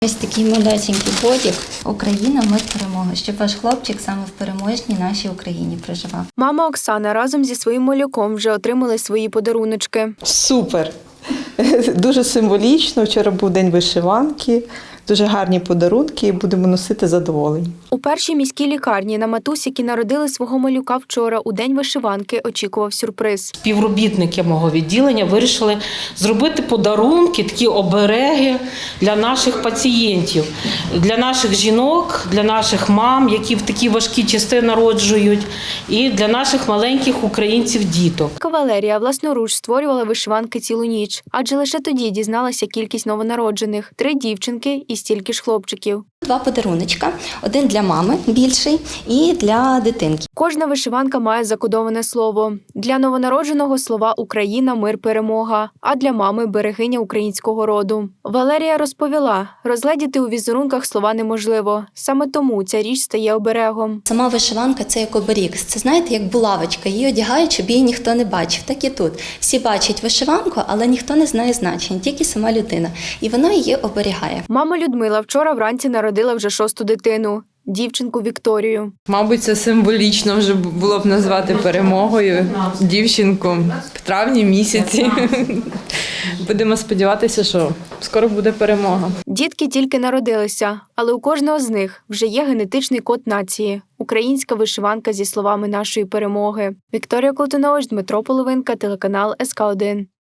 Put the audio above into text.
Ось такий малесенький бодік. Україна, мир, перемога. Щоб ваш хлопчик саме в переможній нашій Україні проживав. Мама Оксана разом зі своїм малюком вже отримали свої подаруночки. Супер! Дуже символічно. Вчора був день вишиванки. Дуже гарні подарунки, будемо носити задоволення. У першій міській лікарні на матусь, які народили свого малюка вчора у день вишиванки, очікував сюрприз. Співробітники мого відділення вирішили зробити подарунки, такі обереги для наших пацієнтів, для наших жінок, для наших мам, які в такі важкі часи народжують, і для наших маленьких українців-діток. Валерія власноруч створювала вишиванки цілу ніч, адже лише тоді дізналася кількість новонароджених – 3 дівчинки і стільки ж хлопчиків. 2 подаруночка. Один для мами більший і для дитинки. Кожна вишиванка має закодоване слово. Для новонародженого слова «Україна, мир, перемога», а для мами – берегиня українського роду. Валерія розповіла, розгледіти у візерунках слова неможливо. Саме тому ця річ стає оберегом. Сама вишиванка – це як оберіг. Це, знаєте, як булавочка. Її одягають, щоб її ніхто не бачив. Так і тут. Всі бачать вишиванку, але ніхто не знає значення, тільки сама людина. І вона її оберігає. Мама Людмила вчора вранці народила вже 6-ту дитину – дівчинку Вікторію. Мабуть, це символічно вже було б назвати перемогою дівчинку в травні місяці. Будемо сподіватися, що скоро буде перемога. Дітки тільки народилися, але у кожного з них вже є генетичний код нації – українська вишиванка зі словами нашої перемоги. Вікторія Колтунович, Дмитро Половинка, телеканал СК1.